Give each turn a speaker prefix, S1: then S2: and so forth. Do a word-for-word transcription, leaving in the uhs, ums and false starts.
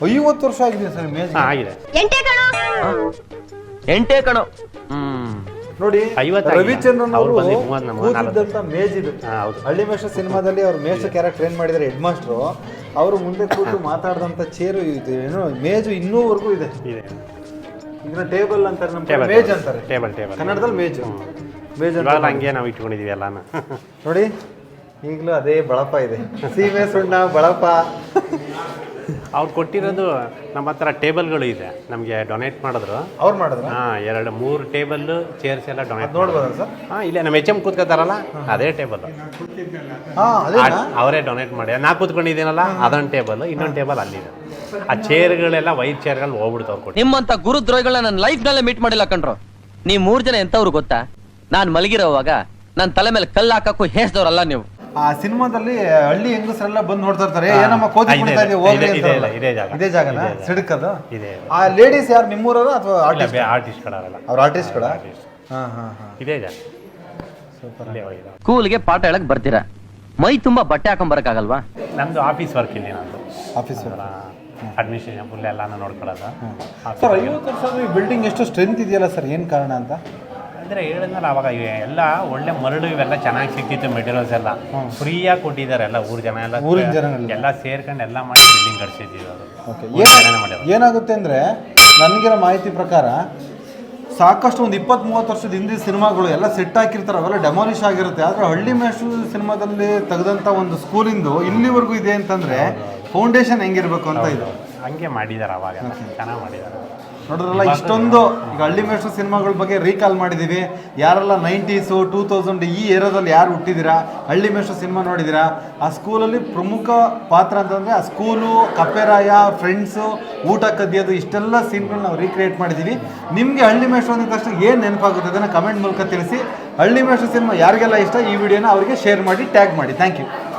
S1: ಐವತ್ತು ವರ್ಷ ಆಗಿದೆ ಸರ್ ಮೇಜ್
S2: ಆಗಿದೆ
S3: ಎಂಟೇ ಕಣೋ.
S2: ಹ್ಮ್
S1: ನೋಡಿ ರವಿಚಂದ್ರನ್ ಅವರು ಕೂತಿದ್ದಂತ ಮೇಜ್ ಇದು. ಹಳ್ಳಿ ಮೇಷ ಸಿನಿಮಾದಲ್ಲಿ ಅವ್ರು ಮೇಷ ಕ್ಯಾರೆಕ್ಟರ್ ಏನ್ ಮಾಡಿದ್ದಾರೆ ಹೆಡ್ ಮಾಸ್ಟ್ರು, ಅವರು ಮುಂದೆ ಕೂತು ಮಾತಾಡಿದಂತ ಚೇರು ಇದು ಏನೋ ಮೇಜು ಇನ್ನೂವರೆಗೂ ಇದೆ. ಇದನ್ನ ಟೇಬಲ್ ಅಂತಾರೆ, ನಮ್ಮ ಮೇಜ್ ಅಂತಾರೆ,
S2: ಟೇಬಲ್ ಟೇಬಲ್
S1: ಕನ್ನಡದಲ್ಲಿ ಮೇಜು ಮೇಜ್ ಅಂತ
S2: ಹಂಗೆ ನಾವು ಇಟ್ಕೊಂಡಿದೀವಿ ಎಲ್ಲಾನ.
S1: ನೋಡಿ ಈಗಲೂ ಅದೇ ಬಳಪ ಇದೆ, ಸೀಮೆ ಸುಣ್ಣ ಬಳಪ.
S2: ಅವ್ರು ಕೊಟ್ಟಿರೋದು ನಮ್ಮ ಹತ್ರ ಟೇಬಲ್ಗಳು ಇದೆ, ನಮಗೆ ಡೊನೇಟ್ ಮಾಡಿದ್ರು
S1: ಅವ್ರು ಮಾಡಿದ್ರು.
S2: ಹಾಂ, ಎರಡು ಮೂರು ಟೇಬಲ್ ಚೇರ್ಸ್ ಎಲ್ಲ ಡೊನೇಟ್
S1: ನೋಡ್ಬೋದಾ ಸರ್?
S2: ಹಾಂ, ಇಲ್ಲೇ ನಮ್ಮ ಎಚ್ ಎಮ್ ಕೂತ್ಕೋತಾರಲ್ಲ ಅದೇ ಟೇಬಲ್ ಅವರೇ ಡೊನೇಟ್ ಮಾಡಿ. ನಾ ಕೂತ್ಕೊಂಡಿದ್ದೀನಲ್ಲ ಅದೊಂದು ಟೇಬಲ್, ಇನ್ನೊಂದು ಟೇಬಲ್ ಅಲ್ಲಿದೆ. ಆ ಚೇರ್ಗಳೆಲ್ಲ ವೈಟ್ ಚೇರ್ಗಳು ಹೋಗ್ಬಿಡ್ತು ಅವ್ರು ಕೊಟ್ಟು.
S3: ನಿಮ್ಮಂತ ಗುರುದ್ರೋಹಿಗಳನ್ನ ನನ್ನ ಲೈಫ್ ನಲ್ಲೇ ಮೀಟ್ ಮಾಡಿಲ್ಲ ಕಣ್ರು. ನೀವು ಮೂರ್ ಜನ ಎಂತವ್ರು ಗೊತ್ತಾ? ನಾನ್ ಮಲಗಿರೋವಾಗ ನನ್ನ ತಲೆ ಮೇಲೆ ಕಲ್ಲು ಹಾಕಕ್ಕೂ ಹೇಸ್ದವ್ರಲ್ಲ ನೀವು.
S1: ಆ ಸಿನಿಮಾದಲ್ಲಿ ಹಳ್ಳಿ ಹೆಂಗಸರೆಲ್ಲ ಬಂದು ನೋಡ್ತಾ ಇರ್ತಾರೆ, ಏನಮ್ಮ ಕೋತಿ ಕುಣಿತಾ ಇದೆಯಾ ಹೋಗ್ಲಿ ಅಂತ. ಇದೇ ಜಾಗನ ಸಿಡಕದು
S2: ಇದೆ.
S1: ಆ ಲೇಡೀಸ್ ಯಾರು ನಿಮ್ಮೂರವರು ಅಥವಾ ಆರ್ಟಿಸ್ಟ್?
S2: ಆರ್ಟಿಸ್ಟ್ಗಳಲ್ಲ,
S1: ಅವ್ರ ಆರ್ಟಿಸ್ಟ್ಗಳ. ಹಾ ಹಾ ಹಾ
S2: ಇದೇ ಜಾಗ.
S3: ಸ್ಕೂಲ್ಗೆ ಪಾಠ ಹೇಳಕ್ ಬರ್ತೀರಾ, ಮೈ ತುಂಬಾ ಬಟ್ಟೆ ಹಾಕೊಂಡ್ ಬರಕ್ಕಾಗಲ್ವಾ?
S2: ನಮ್ದು ಆಫೀಸ್ ವರ್ಕ್ ಇಲ್ಲಿ, ನಂದು
S1: ಆಫೀಸ್
S2: ಅಡ್ಮಿನಿಸ್ಟ್ರೇಷನ್ ಫುಲ್ ಎಲ್ಲಾನು ನೋಡ್ಕೊಳ್ಳೋದು.
S1: ಸರ್ ಐವತ್ತು ವರ್ಷ ಬಿಲ್ಡಿಂಗ್ ಎಷ್ಟು ಸ್ಟ್ರೆಂತ್ ಇದೆಯಲ್ಲ ಸರ್, ಏನು ಕಾರಣ ಅಂತ?
S2: ಅಂದರೆ ಹೇಳಿದ್ನಲ್ಲ ಅವಾಗ ಎಲ್ಲ ಒಳ್ಳೆ ಮರಳು ಇವೆಲ್ಲ ಚೆನ್ನಾಗಿ ಸಿಕ್ತಿತ್ತು, ಮೆಟೀರಿಯಲ್ಸ್ ಎಲ್ಲ ಫ್ರೀಯಾಗಿ ಕೊಟ್ಟಿದ್ದಾರೆ. ಎಲ್ಲ ಊರು ಜನ ಎಲ್ಲ
S1: ಊರಿನ ಜನ
S2: ಎಲ್ಲ ಸೇರ್ಕೊಂಡು ಎಲ್ಲ ಮಾಡಿ ಬಿಲ್ಡಿಂಗ್ ಕಟ್ಸಿದ್ದೀವಿ. ಅದು
S1: ಏನಾಗುತ್ತೆ ಅಂದರೆ ನನಗಿರೋ ಮಾಹಿತಿ ಪ್ರಕಾರ ಸಾಕಷ್ಟು ಒಂದು ಇಪ್ಪತ್ತು ಮೂವತ್ತು ವರ್ಷದ ಹಿಂದಿನ ಸಿನಿಮಾಗಳು ಎಲ್ಲ ಸೆಟ್ ಹಾಕಿರ್ತಾರೆ, ಅವೆಲ್ಲ ಡೆಮಾಲಿಷ್ ಆಗಿರುತ್ತೆ. ಆದರೆ ಹಳ್ಳಿ ಮೇಷು ಸಿನಿಮಾದಲ್ಲಿ ತೆಗೆದಂಥ ಒಂದು ಸ್ಕೂಲಿಂದು ಇಲ್ಲಿವರೆಗೂ ಇದೆ ಅಂತಂದರೆ ಫೌಂಡೇಶನ್ ಹೆಂಗಿರ್ಬೇಕು ಅಂತ ಇದು
S2: ಹಂಗೆ ಮಾಡಿದ್ದಾರೆ. ಅವಾಗ ಚೆನ್ನಾಗಿ ಮಾಡಿದ್ದಾರೆ.
S1: ನೋಡಿದ್ರಲ್ಲ, ಇಷ್ಟೊಂದು ಈಗ ಹಳ್ಳಿ ಮೇಷು ಸಿನಿಮಾಗಳ ಬಗ್ಗೆ ರೀಕಾಲ್ ಮಾಡಿದ್ದೀವಿ. ಯಾರೆಲ್ಲ ನೈಂಟೀಸು ಟೂ ತೌಸಂಡ್ ಈ ಏರಿಯಾದಲ್ಲಿ ಯಾರು ಹುಟ್ಟಿದ್ದೀರಾ, ಹಳ್ಳಿ ಮೇಷು ಸಿನಿಮಾ ನೋಡಿದ್ದೀರಾ, ಆ ಸ್ಕೂಲಲ್ಲಿ ಪ್ರಮುಖ ಪಾತ್ರ ಅಂತಂದರೆ ಆ ಸ್ಕೂಲು, ಕಪ್ಪೆರಾಯ, ಫ್ರೆಂಡ್ಸು, ಊಟ ಕದಿಯೋದು, ಇಷ್ಟೆಲ್ಲ ಸೀನ್ಗಳನ್ನ ನಾವು ರೀಕ್ರಿಯೇಟ್ ಮಾಡಿದ್ದೀವಿ. ನಿಮಗೆ ಹಳ್ಳಿ ಮೇಷು ಅಂದ ತಕ್ಷಣ ಏನು ನೆನಪಾಗುತ್ತೆ ಅದನ್ನು ಕಮೆಂಟ್ ಮೂಲಕ ತಿಳಿಸಿ. ಹಳ್ಳಿ ಮೇಷು ಸಿನಿಮಾ ಯಾರಿಗೆಲ್ಲ ಇಷ್ಟ ಈ ವಿಡಿಯೋನ ಅವರಿಗೆ ಶೇರ್ ಮಾಡಿ, ಟ್ಯಾಗ್ ಮಾಡಿ. Thank you.